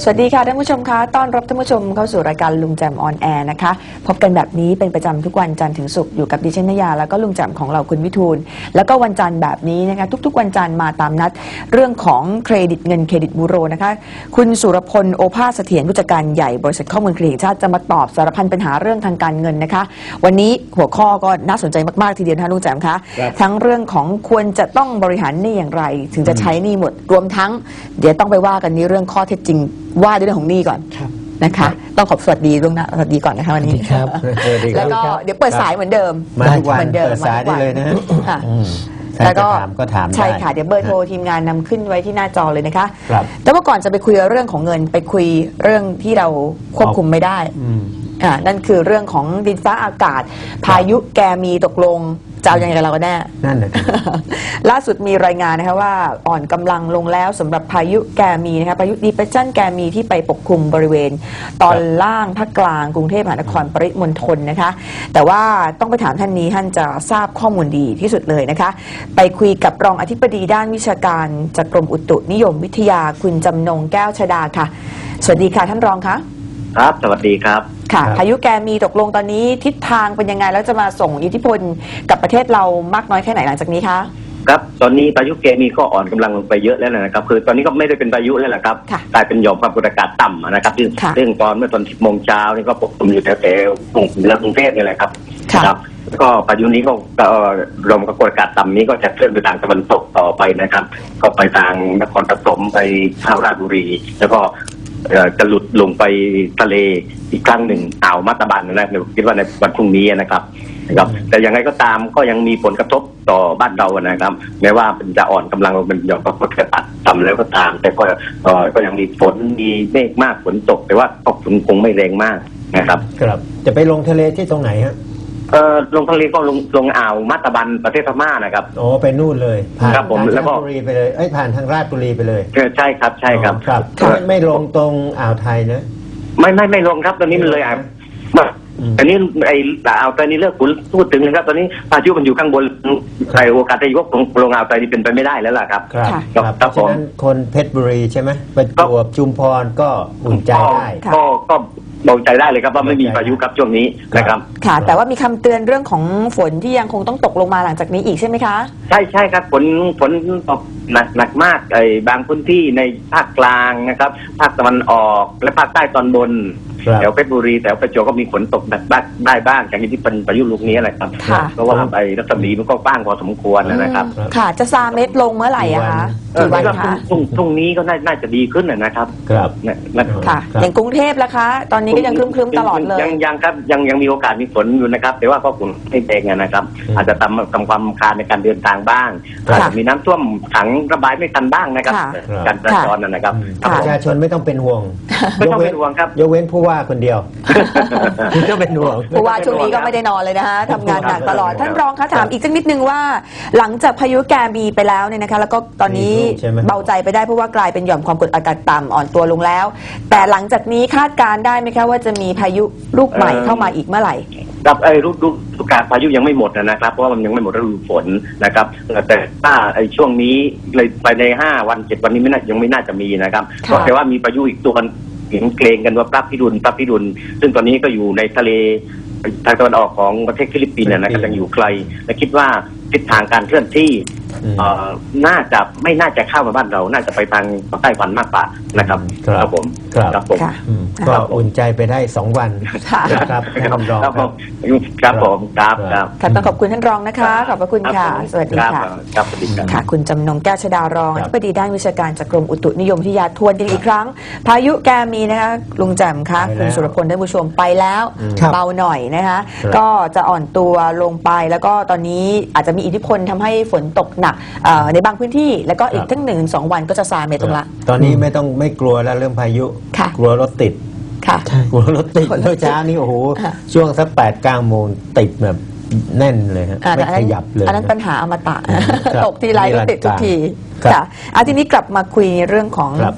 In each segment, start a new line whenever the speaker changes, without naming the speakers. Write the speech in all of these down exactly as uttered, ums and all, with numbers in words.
สวัสดีค่ะท่านผู้ชมคะต้อนรับท่านผู้ชมเข้าสู่รายการลุงแจมออนแอร์นะคะพบกันแบบนี้เป็นประจำทุกวันจันทร์ถึงศุกร์อยู่กับดิฉันนยาแล้วก็ลุงแจมของเราคุณวิทูลแล้วก็วันจันทร์แบบนี้นะคะทุกๆวันจันทร์มาตามนัดเรื่องของเครดิตเงินเครดิตบูโรนะคะคุณสุรพลโอภาสเสถียรผู้จัดการใหญ่บริษัทข้อมูลเครดิตแห่งชาติจะมาตอบสารพันปัญหาเรื่องทางการเงินนะคะวันนี้หัวข้อก็น่าสนใจมากๆทีเดียวนะลุงแจมคะทั้งเรื่องของควรจะต้องบริหารหนี้อย่างไรถึงจะใช้หนี้หมดรวมทั้งเดี๋ยวต้องไปว่ากันในเรื่องข้อเท็จจริงว่าด้วยเรื่องของหนี้ก่อนนะคะต้องขอบสวัสดีล่วงหน้าสวัสดีก่อนนะคะวันนี้
ครับ
แล้วก็เดี๋ยวเปิดสายเหมือนเดิม
มาทุกวันเปิดสายได้เลยนะ
แล้วก็
ก็ถาม
ใช่ค่ะเดี๋ยวเบอร์โทรทีมงานนำขึ้นไว้ที่หน้าจอเลยนะคะ
ครับ
แต่ว่าก่อนจะไปคุยเรื่องของเงินไปคุยเรื่องที่เราควบคุมไม่ได้อ่านั่นคือเรื่องของดินฟ้าอากาศพายุแกมีตกลงจะเอายังไงกับเรากันแน่
นั่นแหละ
ล่าสุดมีรายงานนะคะว่าอ่อนกำลังลงแล้วสำหรับพายุแกมีนะคะพายุดีเพรสชันแกมีที่ไปปกคลุมบริเวณตอนล่างภาคกลางกรุงเทพมหานครปริมณฑลนะคะแต่ว่าต้องไปถามท่านนี้ท่านจะทราบข้อมูลดีที่สุดเลยนะคะไปคุยกับรองอธิบดีด้านวิชาการจากกรมอุตุนิยมวิทยาคุณจำนงแก้วชดาค่ะสวัสดีค่ะท่านรองคะ
ครับสวัสดีครับ
ค่ะพายุแกมีตกลงตอนนี้ทิศทางเป็นยังไงแล้วจะมาส่งอิทธิพลกับประเทศเรามากน้อยแค่ไหนหลังจากนี้คะ
ครับตอนนี้พายุแกมีก็อ่อนกำลังลงไปเยอะแล้วนะครับคือตอนนี้ก็ไม่ได้เป็นพายุแล้วแหละครับกลายเป็นหย่อมความกดอากาศต่ำนะครับซึ่งซึ่งตอนเมื่อตอนสิบโมงเช้านี่ก็ปกคลุมอยู่แถวๆกรุงกรุงเทพนี่แหละครับครับก็พายุนี้ก็หย่อมความกดอากาศต่ำนี้ก็จะเคลื่อนไปทางตะวันตกต่อไปนะครับก็ไปทางนครปฐมไปทางราชบุรีแล้วก็จะหลุดลงไปทะเลอีกครั้งหนึ่งอ่าวมัตตบันนะคิดว่าในวันพรุ่งนี้นะครับนะครับแต่ยังไงก็ตามก็ยังมีผลกระทบต่อบ้านเรานะครับแม้ว่ามันจะอ่อนกำลังเป็นหย่อมความกดอากาศต่ำแล้วก็ตามแต่ก็ก็ยังมีฝนมีเมฆมากฝนตกแต่ว่าก็ฝนคงไม่แรงมากนะครับ
ครับจะไปลงทะเลที่ตรงไหนฮะ
เอ่อลงทะเลก็ลงลงอ่าวมัตตบันประเทศพม่านะครับ
โอ้ไปนู่นเลยผ่าน
ครับผมแล้วก็
ราชบุรีไปเลยเอ้ยผ่านทางราชบุรีไปเลย
ใช่ครับใช่ครับ
ครับไม่ไม่ลงตรงอ่าวไทยนะ
ไม่ไม่ไม่ลงครับตอนนี้มันเลยอ่าวอันนี้ไอ้อ่าวไทยนี่เลิกพูดถึงเลยครับตอนนี้พายุมันอยู่ข้างบนใครโอกาสจะยกลงอ่าวไทยนี่เป็นไปไม่ได้แล้วล่ะครับ
ครับเพราะฉะนั้นคนเพชรบุรีใช่ไหมประจวบชุมพรก็อุ่นใจได้
ก็ก็เบาใจได้เลยครับว่าไม่มีพายุครับช่วงนี้นะครับ
ค่ะแต่ว่ามีคำเตือนเรื่องของฝนที่ยังคงต้องตกลงมาหลังจากนี้อีกใช่ไหมคะ
ใช่ใช่ครับฝนฝนตกหนักหนักมากไอ้บางพื้นที่ในภาคกลางนะครับภาคตะวันออกและภาคใต้ตอนบนแถวเพชรบุรีแถวประจวบก็มีฝนตกหนักบ้างได้บ้างอย่างที่เป็นพายุลูกนี้แหละครับเพราะว่าไอ้รัศมีมันก็กว้างพอสมควรนะครับ
ค่ะจะซาเม็ดลงเมื่อไหร่อะคะ
กี่วันคะพรุ่งนี้ก็น่าจะดีขึ้นนะครับ
ครับ
ค่ะอย่างกรุงเทพล่ะคะตอนนี้ก็ยังครึ้มๆตลอดเลย
ยังยังครับยังยังมีโอกาสมีฝนอยู่นะครับแต่ว่าก็ฝนไม่แรงนะครับอาจจะทำทำความคาญในการเดินทางบ้างอาจจะมีน้ำท่วมขังระบายไม่ทันบ้างนะครับการจราจรนะครับ
ประชาชนไม่ต้องเป็นห่วง
ไม่ต้องเป็นห่วงครับ
ยกเว้นผู้ว่าคนเดียวที่ก็เป็นห่วง
ผู้ว่าช่วงนี้ก็ไม่ได้นอนเลยนะคะทำงานหนักตลอดท่านรองคะถามอีกสักนิดนึงว่าหลังจากพายุแกมีไปแล้วเนี่ยนะคะแล้วก็ตอนนี้เบาใจไปได้เพราะว่ากลายเป็นหย่อมความกดอากาศต่ำอ่อนตัวลงแล้วแต่หลังจากนี้คาดการได้ไหมคะว่าจะมีพายุลูกใหม่เข้ามาอีกเมื่อไหร่
ครับไอ้ฤดูกาลพายุยังไม่หมดนะครับเพราะว่ามันยังไม่หมดฤดูฝนนะครับแต่ถ้าไอ้ช่วงนี้เลยไปในห้าวันเจ็ดวันนี้ไม่น่ายังไม่น่าจะมีนะครับเพราะแต่ว่ามีพายุอีกตัวเห็นเกรงกันว่าปรับพิรุณปรับพิรุณซึ่งตอนนี้ก็อยู่ในทะเลทางตะวันออกของประเทศฟิลิปปินส์นะครับยังอยู่ไกลและคิดว่าทิศทางการเคลื่อนที่น่าจะไม่น่าจะเข้ามาบ้านเราน่าจะไปทางไต้หวันมากกว่านะครับครับผม
ครับผมก็อุ่นใจไปได้สองวันครับท่านรอง
ครับผมครับผมครับครับ
ต้องขอบคุณท่านรองนะคะขอบพระคุณค่ะสวัสดีค่ะ
ครับสวัสดี
ค่ะคุณจำนงแก้วชดารองอธิบดีด้านวิชาการจากกรมอุตุนิยมวิทยาทวนกันอีกครั้งพายุแกมีนะคะลุงแจ่มคะคุณสุรพลท่านผู้ชมไปแล้วเบาหน่อยนะคะก็จะอ่อนตัวลงไปแล้วก็ตอนนี้อาจจะมีอิทธิพลทำให้ฝนตกหนักในบางพื้นที่แล้วก็อีกทั้งหนึ่งถึงสองวันก็จะซาเมตรงละ
ตอนนี้ไม่ต้องไม่กลัวแล้วเรื่องพายุกลัวรถติด
ค่ะ
กลัวรถติดเมื่อเช้านี้โอ้โหช่วงสักแปดเก้าโมงติดแบบแน่นเลยฮะไม่ขยับเลย
อันนั้นปัญหาอมตะตกทีไรก็ติดทุกทีค่ะอาทีนี้กลับมาคุยเรื่องของ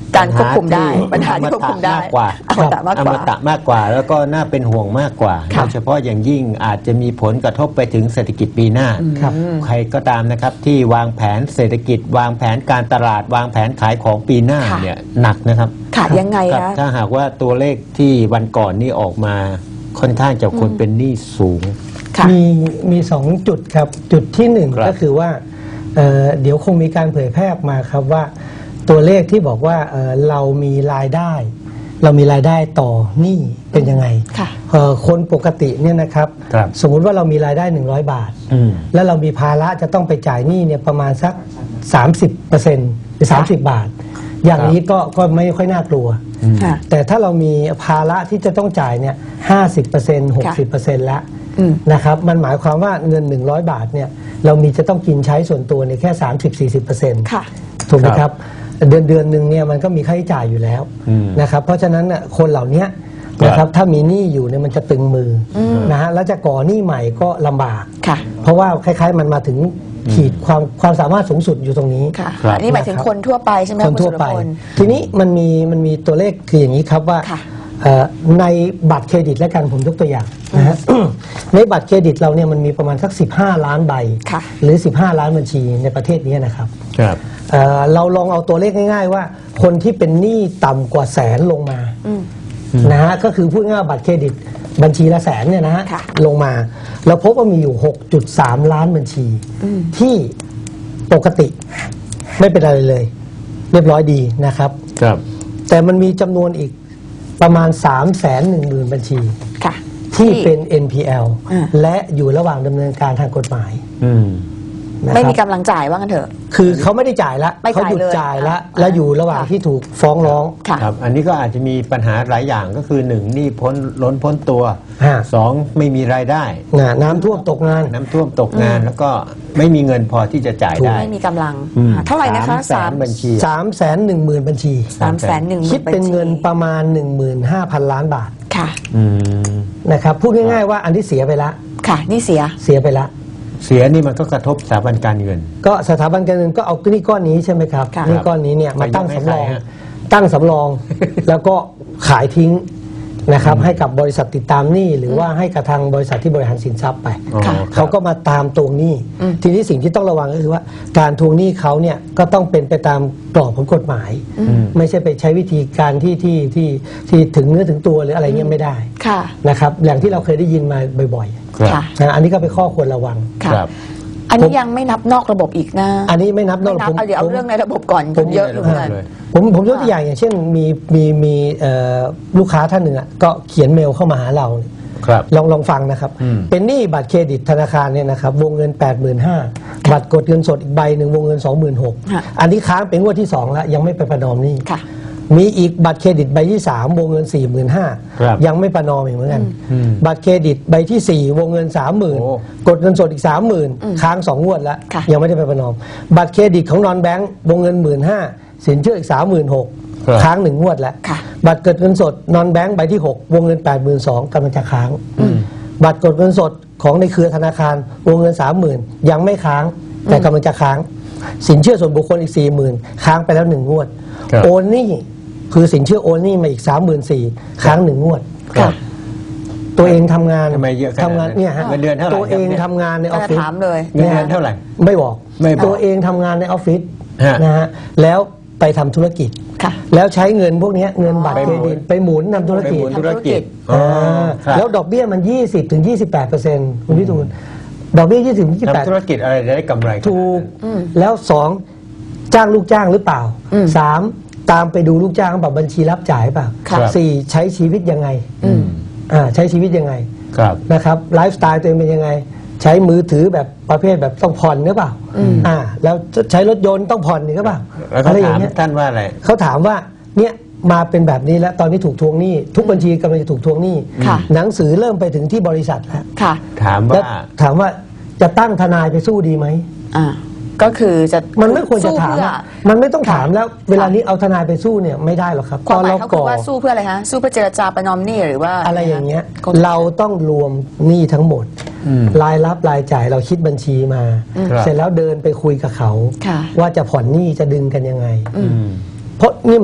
การควบคุมได้ปัญหาที่ควบคุมได้
มากกว่า
อมตะมาก
อก
ว่าม
ตะมากกว่า แล้วก็น่าเป็นห่วงมากกว่า
ค่ะ
โดยเฉพาะอย่างยิ่งอาจจะมีผลกระทบไปถึงเศรษฐกิจปีหน้า
ครับ
ใครก็ตามนะครับที่วางแผนเศรษฐกิจ วางแผนการตลาด วางแผนขายของปีหน้า
ค่ะ
เนี่ยหนักนะครับ
ค่ะยังไง
ครับ
คะ
ถ้าหากว่าตัวเลขที่วันก่อนนี่ออกมาค่อนข้างจะคนเป็นหนี้สูง
ค่ะ
มีมีสองจุดครับ จุดที่หนึ่ง
ครับ
ก็คือว่าเอ่อเดี๋ยวคงมีการเผยแพร่ออกมาครับว่าตัวเลขที่บอกว่าเอ่อเรามีรายได้ เรามีรายได้ต่อหนี้เป็นยังไง
ค่ะ
เอ่อคนปกติเนี่ยนะครับ
ครับ
สมมุติว่าเรามีรายได้หนึ่งร้อยบาท
อืม
แล้วเรามีภาระจะต้องไปจ่ายหนี้เนี่ยประมาณสัก สามสิบเปอร์เซ็นต์ หรือ สามสิบ บาท อย่างนี้ก็ก็ไม่ค่อยน่ากลัว
ค่ะ
แต่ถ้าเรามีภาระที่จะต้องจ่ายเนี่ยห้าสิบเปอร์เซ็นต์หกสิบเปอร์เซ็นต์ละ
อืม
นะครับมันหมายความว่าเงิน หนึ่งร้อยบาทเนี่ยเรามีจะต้องกินใช้ส่วนตัวเนี่ยแค่ สามสิบถึงสี่สิบเปอร์เซ็นต์
ค่ะ
ถูกไหม
ค
ค
รั
รับ บเดือนเดือนหนึ่งเนี่ยมันก็มีค่าใช้จ่ายอยู่แล้ว
อืม
นะครับเพราะฉะนั้นน่ะคนเหล่านี้
ครับ
นะครับถ้ามีหนี้อยู่เนี่ยมันจะตึงมืออนะฮะแล้วจะก่อหนี้ใหม่ก็ลำบาก
ค่ะ
เพราะว่าคล้ายๆ มันมาถึงขีดความความสามารถสูงสุดอยู่ตรงนี้
ค่ะ
ครับ
อันนี้หมายถึงคนทั่วไปใช่ไหม
คนทั่วไป
ณสุรพล
ทีนี้มันมีมันมีตัวเลขคืออย่างนี้ครับว่า
ค่ะ
เอ่อในบัตรเครดิตและกันผมยกตัวอย่างนะฮะ ในบัตรเครดิตเราเนี่ยมันมีประมาณสักสิบห้าล้านใบ
ค่ะ
หรือสิบห้าล้านบัญชีในประเทศนี้นะครับ
ครับ
เอ่อเราลองเอาตัวเลขง่ายๆว่า คนที่เป็นหนี้ต่ำกว่าแสนลงมา
อืม
นะฮะก็คือพูดง่ายๆบัตรเครดิตบัญชีละแสนเนี่ยนะฮะ
ค่ะ
ลงมาเราพบว่ามีอยู่ หกจุดสาม ล้านบัญชี
อืม
ที่ปกติไม่เป็นอะไรเลย เรียบร้อยดีนะครับ
ครับ
แต่มันมีจำนวนอีกประมาณ สามแสนหนึ่งหมื่น บัญชี
ค่ะ
ที่เป็น เอ็น พี แอล
อ่า
และอยู่ระหว่างดำเนินการทางกฎหมาย
อืม
นะ
ไม่
ค
มี
รับ
กำลังจ่ายว่างั้นเถอะ
คือเขาไม่ได้จ่ายละ
ไม่
เขา
จ่าย
หยุด
เลย
จ่ายละ
อ่า
และอยู่ระหว่าง
ค่ะ
ที่ถูกฟ้องร้อง
ค่ะ
ครับ อันนี้ก็อาจจะมีปัญหาหลายอย่างก็คือหนึ่งหนี้พ้นล้นพ้นตัว
ฮะ
สองไม่มีรายได้
นะน้ำท่วมตกงาน
น้ำท่วมตกงาน แล้วก็ไม่มีเงินพอที่จะจ่ายได้
ไม่มีกำลัง
อืม
อ่าเท่าไหร่นะคะ
สามแสนบัญชี
สามแสนหนึ่งหมื่น บัญชี
สามแสนหนึ่ง
คิดเป็นเงินประมาณ หนึ่งหมื่นห้าพัน ล้านบาท
ค่ะ
อืม
นะครับพูดง่ายๆว่าอันที่เสียไปละ
ค่ะ นี่เสีย
เสียไปละ
เสียนี่มันก็กระทบสถาบันการเงิน
ก็สถาบันการเงินก็เอาหนี้ก้อนนี้ใช่ไหมครับ
ค่ะ
หนี้ก้อนนี้เนี่ยมาตั้ง
ไปยกให้
สำรอง
ใครฮะ
ตั้งสำรอง แล้วก็ขายทิ้งนะครับให้กับบริษัทติดตามหนี้หรือว่าให้กับทางบริษัทที่บริหารสินทรัพย์ไป
อ๋อ
ค่ะ
ครับ
เขาก็มาตามทวงหนี้
อืม
ทีนี้สิ่งที่ต้องระวังก็คือว่า การทวงหนี้เขาเนี่ยก็ต้องเป็นไปตามกรอบของกฎหมาย
อืม
ไม่ใช่ไปใช้วิธีการที่ที่ที่ที่ถึงเนื้อถึงตัวหรืออะไรเงี้ยไม่ได้
ค่ะ
นะครับอย่างที่เราเคยได้ยินมาบ่อย
ครับ
ค่ะ
ๆนะอันนี้ก็เป็นข้อควรระวัง
ค่ะ
ครับ
อันนี้ยังไม่นับนอกระบบอีกนะ
อันนี้ไม่นับ
ไม่นับ
ผม
เอาเดี๋ยวเอา
ผม
เรื่องในระบบก่อน
ผม
เยอะอยู่เหมือนกัน
เลย
ผมผมยกตัวอย่างอย่างเช่นมีมีมีเอ่อลูกค้าท่านหนึ่งอ่ะก็เขียนเมลเข้ามาหาเรา
ครับ
ลองลองฟังนะครับ
อืม
เป็นหนี้บัตรเครดิตธนาคารเนี่ยนะครับวงเงิน แปดหมื่นห้าพัน บัตรกดเงินสดอีกใบหนึ่งวงเงิน สองหมื่นหกพัน
ค่ะ
อันนี้ค้างเป็นงวดที่ สองแล้วยังไม่ไปประนอมหนี้
ค่ะ
มีอีกบัตรเครดิตใบที่ สาม วงเงิน สี่หมื่นห้าพัน
ครับ
ยังไม่ประนอมอีกเหมือนกัน
อืม
บัตรเครดิตใบที่ สี่ วงเงิน สามหมื่น
โอ้
กดเงินสดอีก สามหมื่น ค้างสองงวดแล้ว
ค่ะ
ยังไม่ได้ไปประนอม บัตรเครดิตของนอนแบงก์วงเงิน หนึ่งหมื่นห้าพัน สินเชื่ออีก สามหมื่นหกพัน
ครับ
ค้างหนึ่งงวดแล้ว
ค่ะ
บัตรกดเงินสดนอนแบงก์ใบที่ หก วงเงิน แปดหมื่นสองพัน กำลังจะค้าง บัตรกดเงินสดของในเครือธนาคารวงเงิน สามหมื่น ยังไม่ค้างแต่กำลังจะค้าง สินเชื่อส่วนบุคคลอีก สี่หมื่น ค้างไปแล้วหนึ่งงวด
ครับ
โอนหนี้คือสินเชื่อโอนหนี้มาอีก สามหมื่นสี่พัน ค้างหนึ่งงวด
ครับ
ตัวเองทำงาน
ทำไมเยอะขนาดนั้น
ทำงานเนี่ยฮะ
เงินเดือนเท่าไหร่
ตัวเอง
ครับเนี่ย
ทำงานในอ
ก็
อฟ
จะ
ฟิศ
ถามเลย
เงินเดือนเท่าไหร่
ไม่บอก
ไม่บอก
ตัวเองทำงานในออฟฟิศ
ฮะ
นะฮะแล้วไปทำธุรกิจ
ค่ะ
แล้วใช้เงินพวกเนี้ยเงินบัตร
ไป
เค
ห
ร
มุน
ดิตไปหมุนทำธุร
ไป
กิ
ห
จ
มุนธุรกิจ
อ่า
อ๋อครับ
แล้วดอกเบี้ยมัน ยี่สิบถึงยี่สิบแปดเปอร์เซ็นต์คุณพิทูลดอกเบี้ย ยี่สิบถึงยี่สิบแปด
ทำธุรกิจอะไรจะได้กำไร
ถูก
อืม
แล้วสองจ้างลูกจ้างหรือเปล่า
อืม
สามตามไปดูลูกจ้างแบบบัญชีรับจ่ายเปล่า
ครับ
สี่ใช้ชีวิตยังไง
อืม
อ่าใช้ชีวิตยังไง
ครับ
นะครับไลฟ์สไตล์ตัวเองเป็นยังไง ใช้มือถือแบบประเภทแบบต้องผ่อนหรือเปล่าอ่าแล้วใช้รถยนต์ต้องผ่อนหรือเปล่า
แล้วเขา
อะไรอย่า
ถาม
งเงี้ย
ท่านว่าอะไร
เขาถามว่าเนี่ยมาเป็นแบบนี้แล้วตอนนี้ถูกทวงหนี้ทุกบัญชีกำลังจะถูกทวงหนี้
ค่ะ
หนังสือเริ่มไปถึงที่บริษัทแล้ว
ค่ะ
ถาม
แล้ว
ว่า
ถามว่าจะตั้งทนายไปสู้ดีไหม
อ่า ก็คือจะ
มันไม่ควรจะถาม
สู้เพื่อ
อะมันไม่ต้องถามแล้ว เวลานี้เอาทนายไปสู้เนี่ยไม่ได้หรอกครับ
ความหมาย
เรา
เขาคื
ก่
อ
อ
ว่าสู้เพื่ออะไรฮะ สู้เพื่อเจรจาประนอมหนี้หรือว่า
อะไรอย่างเงี้ย
ก็
เราต้องรวมหนี้ทั้งหมด
อืม
รายรับรายจ่ายเราคิดบัญชีมา
ครับ
เสร็จแล้วเดินไปคุยกับเขา
ค่ะ
ว่าจะผ่อนหนี้จะดึงกันยังไง
อืม
เพราะนี่มัน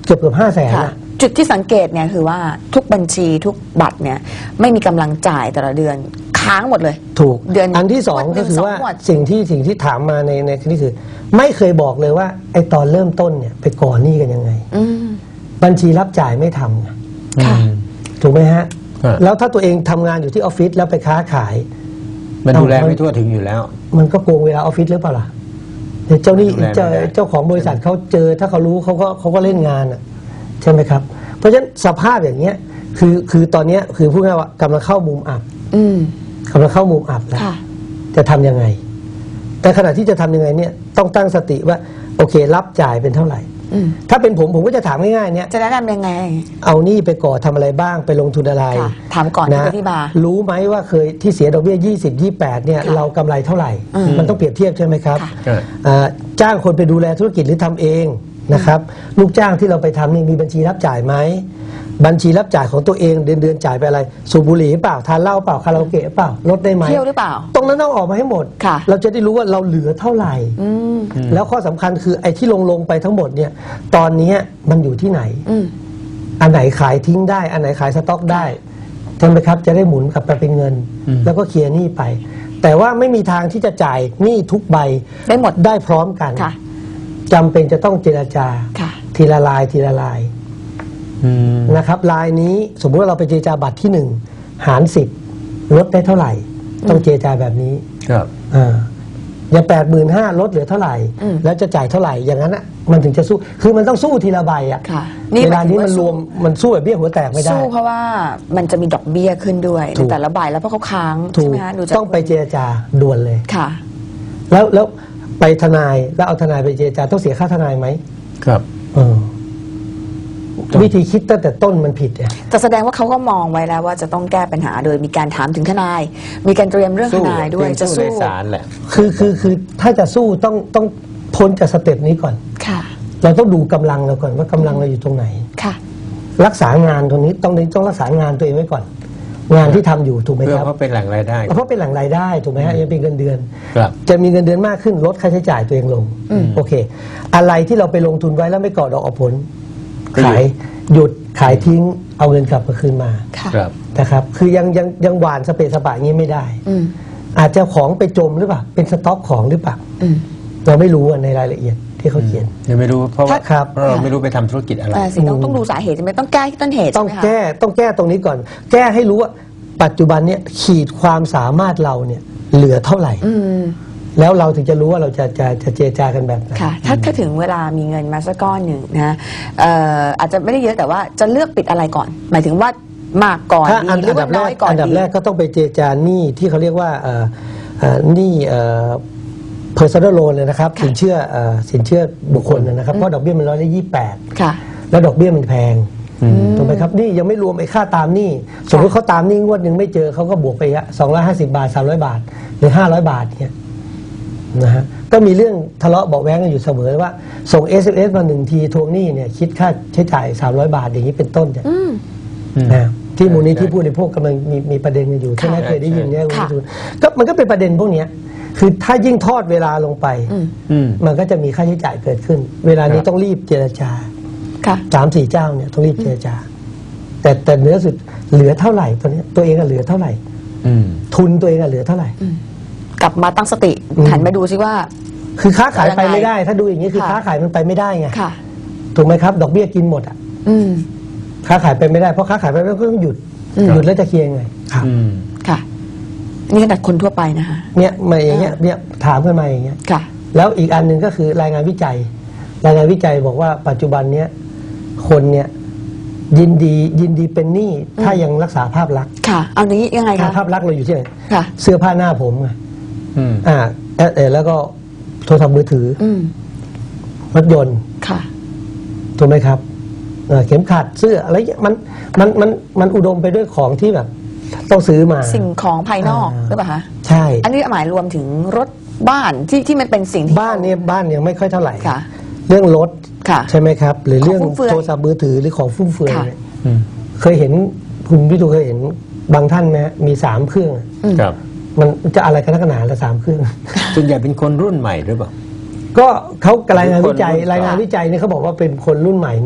เกือบเกือบห้าแสน
ค่ะ
อะ
จุดที่สังเกตเนี่ยคือว่าทุกบัญชีทุกบัตรเนี่ยไม่มีกำลังจ่ายแต่ละเดือนค้างหมดเลย
ถูก
เดือน
อันที่สอง
งวดหนึ่
ก็
ง
คือ
สอง
ว่าง
วด
สิ่งที่สิ่งที่ถามมาในในนี่คือ ไม่เคยบอกเลยว่าไอตอนเริ่มต้นเนี่ยไปก่อหนี้กันยังไง
อืม
บัญชีรับจ่ายไม่ทำไง
ค่ะ
อืม
ถูกไหมฮะ
ฮะ
แล้วถ้าตัวเองทำงานอยู่ที่ออฟฟิศแล้วไปค้าขาย
มันดูแลไม่ทั่วถึงอยู่แล้ว
มันก็โกงเวลาออฟฟิศหรือเปล่าล่ะเดี๋ยวเจ้าหนี้
ดูแลไม่
เจ้า
ได้
เจ้าของบริษัทเขาเจอถ้าเขารู้เขาก็เขาก็เล่นงานอ่ะใช่ไหมครับ เพราะฉะนั้นสภาพอย่างเงี้ยคือคือตอนเนี้ยคือพูดง่ายๆว่ากำลังเข้ามุมอับ
อืม
กำลังเข้ามุมอับแล้ว
ค่ะ
จะทำยังไง แต่ขณะที่จะทำยังไงเนี่ยต้องตั้งสติว่าโอเครับจ่ายเป็นเท่าไหร่
อืม
ถ้าเป็นผมผมก็จะถามง่ายๆเนี่ย
จะแนะนำยังไง
เอาหนี้ไปก่อทำอะไรบ้างไปลงทุนอะไร
ค่ะถามก่อนที่ไปที่บาร์
รู้ไหมว่าเคยที่เสียดอกเบี้ยยี่สิบ ยี่สิบแปดเนี่ย
ค่ะ
เรากำไรเท่าไหร่
อืม
มันต้องเปรียบเทียบใช่ไหมครับ
ค่ะ
ใช่
อ่าจ้างคนไปดูแลธุรกิจหรือทำเองนะครับ ลูกจ้างที่เราไปทำนี่มีบัญชีรับจ่ายไหมบัญชีรับจ่ายของตัวเองเดือนเดือนๆจ่ายไปอะไรสูบบุหรี่เปล่าทานเหล้าเปล่าคาราโอเกะเปล่าลดได้ไหม
เที่ยวหรือเปล่า
ตรงนั้นต้องออกมาให้หมด
ค่ะ
เราจะได้รู้ว่าเราเหลือเท่าไหร่
อืม
แล้วข้อสำคัญคือไอ้ที่ลงลงไปทั้งหมดเนี่ยตอนนี้มันอยู่ที่ไหน
อืม
อันไหนขายทิ้งได้ อันไหนขายสต็อกได้ใช่ไหมครับ จะได้หมุนกลับไปเป็นเงิน
อืม
แล้วก็เคลียร์หนี้ไป แต่ว่าไม่มีทางที่จะจ่ายหนี้ทุกใบ
ได้หมด
ได้พร้อมกัน
ค่ะ
จำเป็นจะต้องเจรจา
ค่ะ
ทีละลายทีละลาย
อืม
นะครับลายนี้สมมุติว่าเราไปเจรจาบัตรที่หนึ่งหารสิบลดได้เท่าไหร่ ต้องเจรจาแบบนี้
ครับ
อ่าอย่างแปดหมื่นห้าลดเหลือเท่าไหร่
อืม
แล้วจะจ่ายเท่าไหร่อย่างนั้นอ่ะมันถึงจะสู้คือมันต้องสู้ทีละใบอ่ะ
ค่ะ
เวลานี้
หย
มัน
ถึง
รวมมันสู้แบบเบี้ยหัวแตกไม่ได้
สู้เพราะว่ามันจะมีดอกเบี้ยขึ้นด้วย
ถู
ใน
ก
แต่ละใบแล้วเพราะเขาค้าง
ถู
ใช่
ก
ไหมคะดูจาก
ต้องไปเจรจาด่วนเลย
ค่ะ
แล้วแล้วไปทนายแล้วเอาทนายไปเจรจาต้องเสียค่าทนายไหม
ครับ
เออวิธีคิดตั้งแต่ต้นมันผิดอ่ะ
แต่แสดงว่าเขาก็มองไว้แล้วว่าจะต้องแก้ปัญหาโดยมีการถามถึงทนาย มีการเตรียมเรื่องท
สู้
นายด้วย
เตรีม
จะ
สู้
สู้
ในศาลแหละ
คือคือคือถ้าจะสู้ต้องต้องพ้นจากสเต็ปนี้ก่อน
ค่ะ
เราต้องดูกำลังเราก่อนว่ากำลังเราอยู่ตรงไหน
ค่ะ
รักษางานตรงนี้ต้องต้องรักษางานตัวเองไว้ก่อน งานที่ทำอยู่ถูกไหม
เพื่
ค
อ
รับ
เพราะเป็นแหล่งรายได้
เพราะเป็นแหล่งรายได้ถูกไหมฮะยังเป็นเงินเดือน
ครับ
จะมีเงินเดือนมากขึ้นลดค่าใช้จ่ายตัวเองลง
อืม
โอเค อะไรที่เราไปลงทุนไว้แล้วไม่ก่อดอกออกผล
ก็หยุด
ขายหยุดขายทิ้งเอาเงินกลับมาคืนมา
ค่ะ
ครับ
นะครับ คือยังยังยังหวานสเปซสปะอย่างนี้ไม่ได้
อืม
อาจจะของไปจมหรือเปล่าเป็นสต็อกของหรือเปล่า
อืม
เราไม่รู้อะในรายละเอียดที่เขาเขียน
ยังไม่รู้เพราะว่า
ครับ
เพราะเราไม่รู้ไปทำธุรกิจอะไร
อ่าสิต้องต้องดูสาเหตุใช่ไหมต้องแก้ที่ต้นเหตุ
ต้
ใช่
อง
ไหมคะ
แก้ต้องแก้ตรงนี้ก่อน แก้ให้รู้ว่าปัจจุบันเนี่ยขีดความสามารถเราเนี่ยเหลือเท่าไหร่
อืม
แล้วเราถึงจะรู้ว่าเราจะจะจะเจรจากันแบบไหน
ค่ะ ถ้าถ้าถึงเวลามีเงินมาสักก้อนหนึ่งนะเอ่ออาจจะไม่ได้เยอะแต่ว่าจะเลือกปิดอะไรก่อน หมายถึงว่ามากก่อน
ถ้า
ดี
อัน
หรือ
อันดั
ว่า
บแร
น้อก ยก่อน
อันดับ
ดี
แรกก็ต้องไปเจรจาหนี้ที่เขาเรียกว่าเอ่อเอ่อหนี้เอ่อ personal loan เลยนะครับ
ค่ะ
สินเชื่อเอ่อสินเชื่อบุคคลนะครับเพราะดอกเบี้ยมันร้อยละยี่สิบแปด
ค่ะ
แล้วดอกเบี้ยมันแพงถูกไหมครับนี่ยังไม่รวมไอ้ค่าตามหนี้สมมติเขาตามหนี้งวดหนึ่งไม่เจอเขาก็บวกไปสองร้อยห้าสิบบาทสามร้อยบาท หรือห้าร้อยบาทเนี่ยนะฮะก็มีเรื่องทะเลาะเบาะแว้งกันอยู่เสมอว่า ส่ง เอส เอ็ม เอส มาหนึ่งทีทวงหนี้เนี่ยคิดค่าใช้จ่ายสามร้อยบาทอย่างนี้เป็นต้นเนี่ย
อืม
นะที่มูลนิธิ
ใช่
ผู้บริโภคกำลังมีมีประเด็นกันอยู่ใช่ไหม
ค่ะ
เคยได้ยินเนี่ยคุณ
ค่ะ
วิทูลก็มันก็เป็นประเด็นพวกเนี้ยคือถ้ายิ่งทอดเวลาลงไป
อืม
อืม
มันก็จะมีค่าใช้จ่ายเกิดขึ้น เวลานี้
ครับ
ต้องรีบเจรจา
ค่ะ
สามสี่เจ้าเนี่ยต้องรีบเจรจา แต่แต่เนื้อสุดเหลือเท่าไหร่ตอนนี้ยตัวเองอะเหลือเท่าไหร่
อืม
ทุนตัวเองอะเหลือเท่าไหร่
กลับมาตั้งสติ
อืม
หันมาดูซิว่า
คือค้าขายไป
ยังไง
ไม่ได้ ถ้าดูอย่างนี้คือ
ค่ะ
ค้าขายมันไปไม่ได้ไง
ค่ะ
ถูกไหมครับ ดอกเบี้ยกินหมดอ่ะ
อืม
ค้าขายไปไม่ได้เพราะค้าขายไปแล้วก็ต้องหยุด
อืม
หยุดแล้วจะเคลียร์ยังไงครับ
อืม
ค่ะอันนี่ขนาดคนทั่วไปนะคะ
เนี่ยมาอย่างเงี้ยเนี่ยถามกันมาอย่างเงี้ย
ค่ะ
แล้วอีกอันหนึ่งก็คือรายงานวิจัย รายงานวิจัยบอกว่าปัจจุบันเนี้ยคนเนี่ยยินดียินดีเป็นหนี้ถ้ายังรักษาภาพลักษณ์
ค่ะ เอานี้ยังไงคะ
ภาพลักษณ์เราอยู่ที่ไหน
ค่ะ
เสื้อผ้าหน้าผมไง
อืม
อ่าเอ่อเอ่อแล้วก็โทรศัพท์มือถือ
อืม
รถยนต์
ค่ะ
ถูกไหมครับเอ่อเข็มขัดเสื้ออะไรเงี้ยมันมันมันมันอุดมไปด้วยของที่แบบต้องซื้อมา
สิ่งของภายนอก
อ่า
หรือเปล่าคะ
ใช่
อันนี้หมายรวมถึงรถบ้านที่ที่มันเป็นสิ่งที่
บ้านเนี่ยบ้านยังไม่ค่อยเท่าไหร่
ค่ะ
เรื่องรถ
ค่ะ
ใช่ไหมครับ หรือเรื่อง
ของฟุ่มเฟือย
โทรศัพท์มือถือหรือของฟุ่มเฟือย
ค่ะ
เนี่ย
อืม
เคยเห็นคุณวิทูเคยเห็นบางท่านไหมฮะมีสามเครื่อง
อืม
ครับ
มันจะอะไรกันนักหนาละสามเครื่อง
ส่วนใหญ่เป็นคนรุ่นใหม่หรือเปล่า
ก็เขารายงานวิจัย
หรือคนรุ่น
รายงานวิจัยเนี่ยเขาบอกว่าเป็นคนรุ่นใหม่นี่แหละ
อ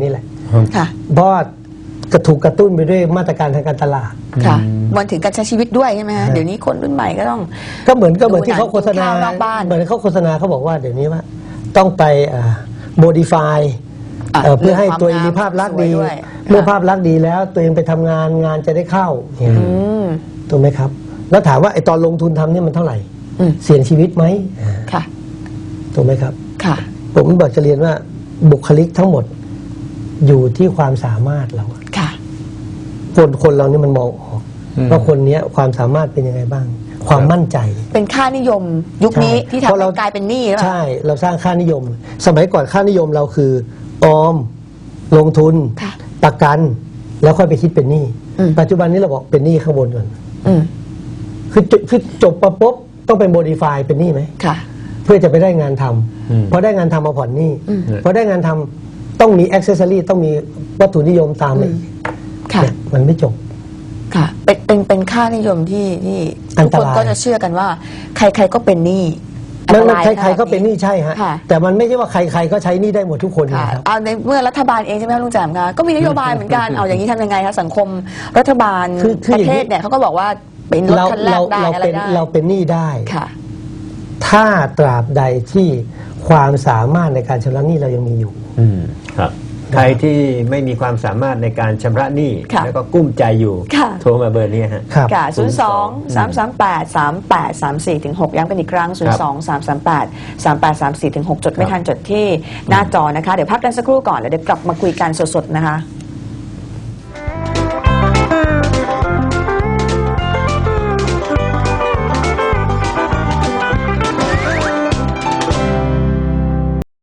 ค่ะ
เพราะว่ากระถูกกระตุ้นไปด้วยมาตรการทางการตลาด
ค่ะมันถึงการใช้ชีวิตด้วยใช่ไหมฮะ
ฮะ
เดี๋ยวนี้คนรุ่นใหม่ก็ต้อง
ก็เหมือนก็เหมือนที่เขาโฆษณา
ดูหนังกินข้าวนอกบ้าน
เหมือนเขาโฆษณาเขาบอกว่าเดี๋ยวนี้ว่าต้องไปโมดิฟาย
อ่ะ
เพื่อให้ตัวเองมีภาพลักษณ์ดี
สวยด้วย
เมื่อภาพลักษณ์ดีแล้วตัวเองไปทำงานงานจะได้เข้าเนี่ย
อืม
ถูกไหมครับ แล้วถามว่าไอ้ตอนลงทุนทำเนี่ยมันเท่าไหร่
อืม
เสี่ยงชีวิตไหมอ่า
ค่ะ
ถูกไหมครับ
ค่ะ
ผมบอกจะเรียนว่าบุคลิกทั้งหมดอยู่ที่ความสามารถเรา
ค่ะ
คนคนเรานี่มันมองออก
อืม
ว่าคนเนี้ยความสามารถเป็นยังไงบ้าง ความมั่นใจ
เป็นค่านิยมยุคนี้
ใช่
ที่ทำ
เพราะ
ให้
เรา
กลายเป็นหนี้หรือเปล่า
ใช่เราสร้างค่านิยม สมัยก่อนค่านิยมเราคือออมลงทุน
ค่ะ
ประกัน แล้วค่อยไปคิดเป็นหนี้
อืม
ปัจจุบันนี้เราบอกเป็นหนี้ข้างบนก่อน
อืม
คือจคือจบมาปุ๊บต้องเป็นโมดิฟายเป็นหนี้ไหม
ค่ะ
เพื่อจะไปได้งานทำ
อืม
พอได้งานทำมาผ่อนหนี้
อืม
พอได้งานทำต้องมีอ็อกเซสซอรี่ต้องมีวัตถุนิยมตามมาอีก
ค่ะ
เนี่ยมันไม่จบ
ค่ะ เป็น เป็น เป็นค่านิยมที่ที่
อั
ทุ
น
ก
ต
คน
ราย
ก็จะเชื่อกันว่า ใครๆก็เป็นหนี้
มันมัน
อันตาย
ใครๆก็เป็นหนี้ใช่ฮะ
ค่ะ
แต่มันไม่ใช่ว่าใครๆก็ใช้หนี้ได้หมดทุกคน
ค่ะ
นะครับ
เอาในเมื่อรัฐบาลเองใช่ไหมคะลุงแจ่มคะก็มีนโยบายเหมือนกัน เอาอย่างนี้ทำยังไงคะสังคมรัฐบาล
คือคือ
ประ
อย่าง
เท
นี้
ศเนี่ยเขาก็บอกว่าเป็นรถ
เรา
คันแร
เรา
กได้
เรา
อะไร
เป็น
ได้
เราเป็นหนี้ได้
ค่ะ
ถ้าตราบใดที่ความสามารถในการชำระหนี้เรายังมีอยู่
อืมครับใครที่ไม่มีความสามารถในการชำระหนี้
ค่ะ
แล้วก็กุ้มใจอยู่
ค่ะ
โทรมาเบอร์นี้ฮะ
ครับ
ค่ะศูนย์สองสามสามแปดสามแปดสามสี่ถึงหกย้ำเป็นอีกครั้งศูนย์สองสามสามแปดสามแปดสามสี่ถึงหกจดไม่ทันจดที่หน้าจอนะคะ เดี๋ยวพักกันสักครู่ก่อนแล้วเดี๋ยวกลับมาคุยกันสดๆนะคะ